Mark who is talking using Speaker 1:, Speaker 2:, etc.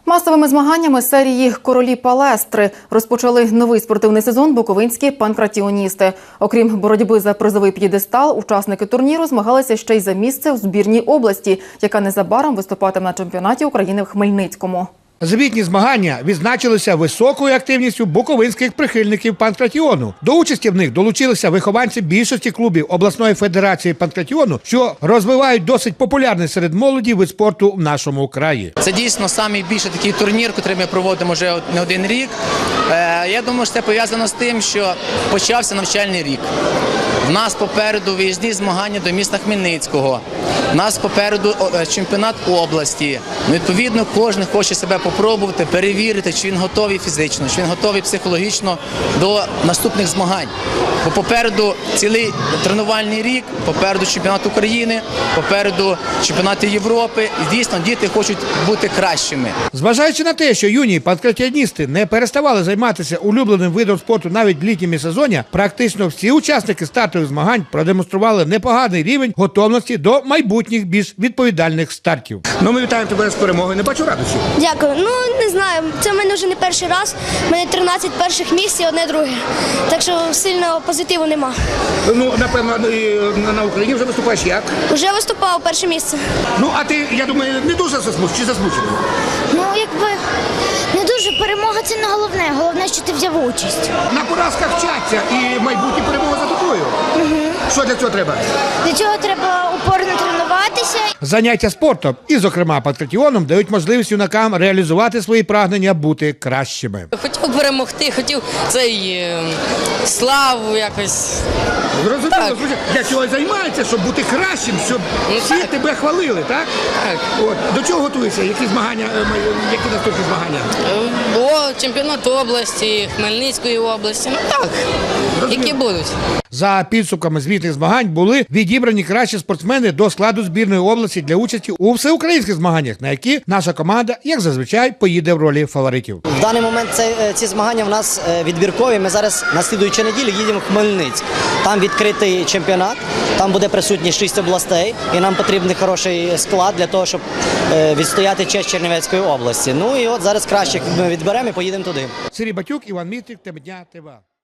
Speaker 1: Масовими змаганнями серії «Королі Палестри» розпочали новий спортивний сезон буковинські панкратіоністи. Окрім боротьби за призовий п'єдестал, учасники турніру змагалися ще й за місце у збірній області, яка незабаром виступатиме на чемпіонаті України в Хмельницькому.
Speaker 2: Звітні змагання відзначилися високою активністю буковинських прихильників панкратіону. До участі в них долучилися вихованці більшості клубів обласної федерації панкратіону, що розвивають досить популярний серед молоді вид спорту в нашому краї.
Speaker 3: Це дійсно найбільший такий турнір, який ми проводимо вже не один рік. Я думаю, що це пов'язано з тим, що почався навчальний рік. У нас попереду виїзні змагання до міста Хмельницького. У нас попереду чемпіонат області. Відповідно, кожен хоче себе попробувати, перевірити, чи він готовий фізично, чи він готовий психологічно до наступних змагань. Бо попереду цілий тренувальний рік, попереду чемпіонат України, попереду чемпіонати Європи. І дійсно діти хочуть бути кращими.
Speaker 2: Зважаючи на те, що юні панкратіоністи не переставали займатися улюбленим видом спорту навіть в літньому сезоні, практично всі учасники стартових змагань продемонстрували непоганий рівень готовності до майбутніх більш відповідальних стартів.
Speaker 4: Ми вітаємо тебе з перемогою. Не бачу радощів.
Speaker 5: Дякую. Не знаю, це в мене вже не перший раз. У мене 13 перших місць і одне друге. Так що сильного позитиву нема.
Speaker 4: Напевно, на Україні вже виступаєш як?
Speaker 5: Вже виступав перше місце.
Speaker 4: А ти, я думаю, не дуже засмучений чи засмучений?
Speaker 6: Не дуже. Перемога – це не головне. Головне, що ти взяв участь.
Speaker 4: На поразках вчаться і майбутні перемога за тобою. Що для цього треба?
Speaker 6: Для цього треба упорно тренуватися.
Speaker 2: Заняття спортом і, зокрема, панкратіоном дають можливість юнакам реалізувати свої прагнення бути кращими.
Speaker 7: Хотів перемогти, хотів славу якось.
Speaker 4: Зрозуміло, для цього і займається, щоб бути кращим, щоб всі тебе хвалили, так?
Speaker 7: Так.
Speaker 4: До чого готуєшся? Які змагання, які наступні змагання?
Speaker 7: Чемпіонат області, Хмельницької області, які будуть.
Speaker 2: За підсумками звітних змагань були відібрані кращі спортсмени до складу збірної області для участі у всеукраїнських змаганнях, на які наша команда, як зазвичай, поїде в ролі фаворитів.
Speaker 8: В даний момент ці змагання в нас відбіркові. Ми зараз на слідуючу неділю їдемо в Хмельницьк. Там відкритий чемпіонат, там буде присутні 6 областей, і нам потрібен хороший склад для того, щоб відстояти честь Чернівецької області. І от зараз кращих ми відберемо і поїдемо туди.
Speaker 2: Сергій Батюк, Іван Мітрик, Тема дня, ТВА.